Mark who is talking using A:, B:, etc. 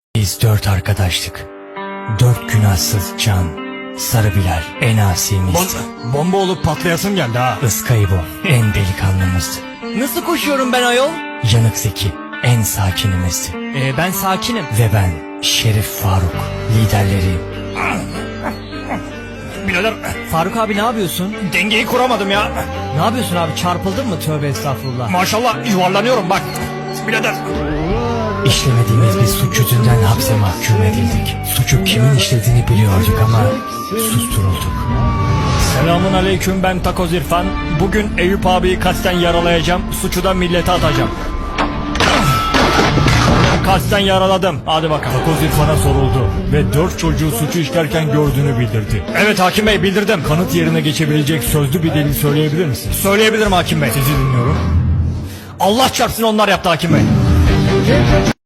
A: Biz 4 arkadaştık. 4 günahsız can. Sarı Bilal en asimizdi.
B: Bomba olup patlayasın geldi ha.
A: Iskaybo en delikanlımızdı.
B: Nasıl koşuyorum ben ayol?
A: Yanık Zeki en sakinimizdi.
B: Ben sakinim.
A: Ve ben Şerif Faruk liderleriyim.
B: Birader
C: Faruk abi ne yapıyorsun?
B: dengeyi kuramadım ya.
C: Ne yapıyorsun abi, çarpıldın mı? Tövbe estağfurullah.
B: Maşallah yuvarlanıyorum bak. Birader.
A: İşlemediğimiz bir suç yüzünden hapse mahkum edildik. Suçu kimin işlediğini biliyorduk ama susturulduk.
B: Selamun aleyküm, ben Takoz İrfan. Bugün Eyüp abiyi kasten yaralayacağım. Suçu da millete atacağım. Kasten yaraladım. Hadi bakalım. Takoz İrfan'a soruldu ve 4 çocuğu suçu işlerken gördüğünü bildirdi. Evet hakim bey, bildirdim. Kanıt yerine geçebilecek sözlü bir delil söyleyebilir misin? Söyleyebilirim hakim bey. Sizi dinliyorum. Allah çarpsın onlar yaptı hakim bey.